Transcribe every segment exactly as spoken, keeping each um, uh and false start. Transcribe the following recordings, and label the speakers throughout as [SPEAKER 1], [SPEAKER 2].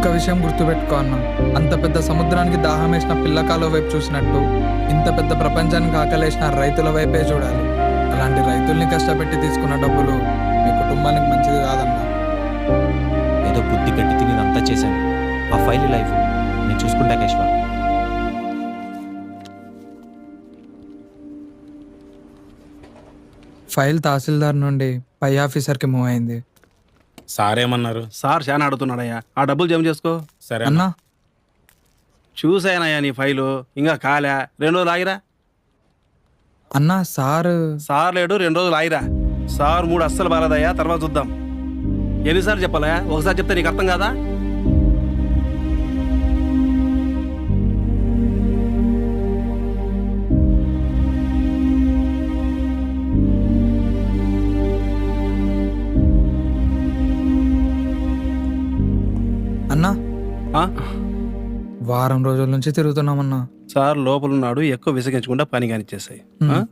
[SPEAKER 1] ఒక్క విషయం గుర్తుపెట్టుకో అన్న, అంత పెద్ద సముద్రానికి దాహం వేసిన పిల్లకాల వైపు చూసినట్టు ఇంత పెద్ద ప్రపంచానికి ఆకలేసిన రైతుల వైపే చూడాలి. అలాంటి రైతుల్ని కష్టపెట్టి తీసుకున్న డబ్బులు మీ కుటుంబానికి మంచిది కాదన్నా.
[SPEAKER 2] ఏదో బుద్ధి గట్టి తిని ఇదంతా చేశాను. ఆ ఫైల్ లైఫ్ నేను చూసుకుంటా కేశవ.
[SPEAKER 1] ఫైల్ తహసీల్దార్ నుండి పై ఆఫీసర్కి మూవ్ అయింది.
[SPEAKER 3] సార్ ఏమన్నారు?
[SPEAKER 4] సార్ చాలా అడుగుతున్నాడయ్యా, ఆ డబ్బులు జమ చేసుకో.
[SPEAKER 3] సరే
[SPEAKER 1] అన్నా
[SPEAKER 4] చూసానయ్యా నీ ఫైలు, ఇంకా కాలే, రెండు రోజులు ఆగిరా.
[SPEAKER 1] అన్నా సార్
[SPEAKER 4] సార్ లేడు, రెండు రోజులు ఆగిరా. సార్ మూడు అస్సలు బాలేదయ్యా, తర్వాత చూద్దాం. ఎన్నిసార్లు చెప్పాలా? ఒకసారి చెప్తే నీకు అర్థం కాదా?
[SPEAKER 1] అన్నా
[SPEAKER 4] ఆ?
[SPEAKER 1] వారం రోజుల నుంచి తిరుగుతున్నామన్నా.
[SPEAKER 4] సార్ లోపలున్నాడు, ఎక్కువ విసిగించకుండా పని కానిచ్చేసాయి.
[SPEAKER 1] హ్మ్.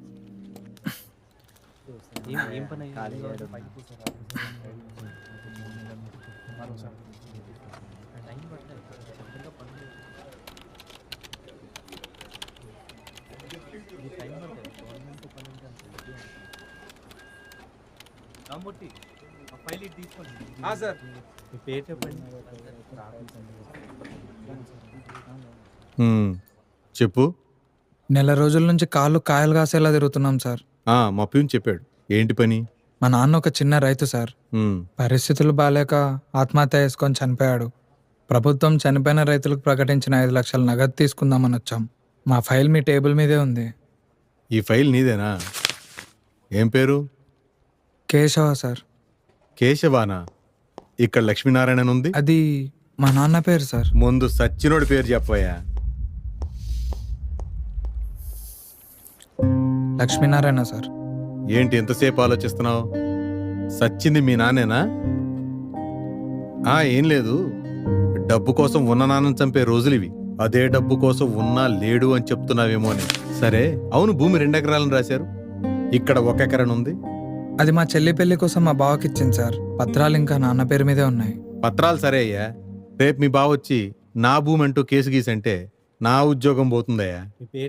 [SPEAKER 5] హ్మ్. చెప్పు.
[SPEAKER 1] నెల రోజుల నుంచి కాళ్ళు కాయలు కాసేలా తిరుగుతున్నాం సార్.
[SPEAKER 5] ఆ, మా ప్యూన్ చెప్పాడు. ఏంటి పని?
[SPEAKER 1] మా నాన్న ఒక చిన్న రైతు సార్.
[SPEAKER 5] హ్మ్.
[SPEAKER 1] పరిస్థితులు బాలేక ఆత్మహత్య చేసుకొని చనిపోయాడు. ప్రభుత్వం చనిపోయిన రైతులకు ప్రకటించిన ఐదు లక్షల నగదు తీసుకుందామని వచ్చాం. మా ఫైల్ మీ టేబుల్ మీదే ఉంది.
[SPEAKER 5] ఈ ఫైల్ నీదేనా? ఏం పేరు?
[SPEAKER 1] కేశవ సార్.
[SPEAKER 5] కేశవానా? ఇక్కడ లక్ష్మీనారాయణ ఉంది.
[SPEAKER 1] అది మా నాన్న పేరు సార్.
[SPEAKER 5] ముందు సచ్చినోడి పేరు చెప్పవయ్యా.
[SPEAKER 1] లక్ష్మీనారాయణ సార్.
[SPEAKER 5] ఏంటి ఎంతసేపు ఆలోచిస్తున్నావు? సచ్చింది మీ నాన్నేనా? ఆ, ఏం లేదు. డబ్బు కోసం ఉన్న నాన్నని చంపే రోజులు ఇవి. అదే డబ్బు కోసం ఉన్నా లేడు అని చెప్తున్నావేమో అని. సరే, అవును, భూమి రెండెకరాలను రాశారు. ఇక్కడ ఒక ఎకరం ఉంది.
[SPEAKER 1] అది మా చెల్లి పెళ్లి కోసం మా బావకి ఇచ్చింది సార్. పత్రాలు ఇంకా నాన్న పేరు మీదే ఉన్నాయి.
[SPEAKER 5] పత్రాలు సరే అయ్యా. రేపు మీ బావ వచ్చి నా భూమి అంటూ కేసు గీసంటే నా ఉద్యోగం పోతుందయ్యా.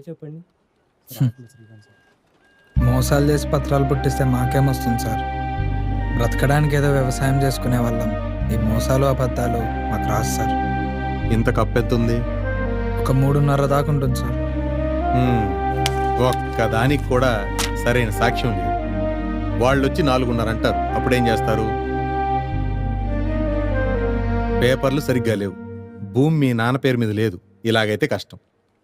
[SPEAKER 1] మోసాలు చేసి పత్రాలు పుట్టిస్తే మాకేమొస్తుంది సార్? బ్రతకడానికి ఏదో వ్యవసాయం చేసుకునే వాళ్ళం. ఈ మోసాలు అబద్ధాలు మాకు రాదు సార్.
[SPEAKER 5] ఇంత కప్పెత్తుంది.
[SPEAKER 1] ఒక మూడున్నర దాకా ఉంటుంది సార్.
[SPEAKER 5] హ్మ్. ఒక్క దానికి కూడా సరైన సాక్ష్యం లేదు. వాళ్ళు వచ్చి నాలుగున్నర అంటారు. అప్పుడేం చేస్తారు? పేపర్లు సరిగ్గా లేవు. భూమి మీ నాన్న పేరు మీద లేదు. ఇలాగైతే కష్టం.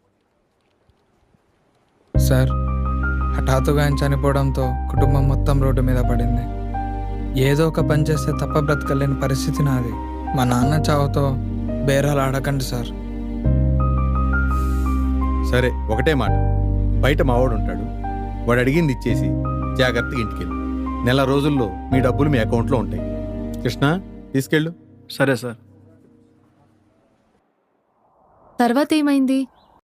[SPEAKER 1] సార్, హఠాత్తుగా ఆయన చనిపోవడంతో కుటుంబం మొత్తం రోడ్డు మీద పడింది. ఏదో ఒక పని చేస్తే తప్ప బ్రతకలేని పరిస్థితి నాది. మా నాన్న చావుతో బేరాలు ఆడకండి సార్.
[SPEAKER 5] సరే, ఒకటే మాట. బయట మావాడు ఉంటాడు. వాడు అడిగింది ఇచ్చేసి జాగ్రత్తగా ఇంటికెళ్ళు. నెల రోజుల్లో మీ డబ్బులు మీ అకౌంట్లో ఉంటాయి. కృష్ణ, తీసుకెళ్ళు.
[SPEAKER 4] సరే సార్.
[SPEAKER 6] తర్వాత ఏమైంది?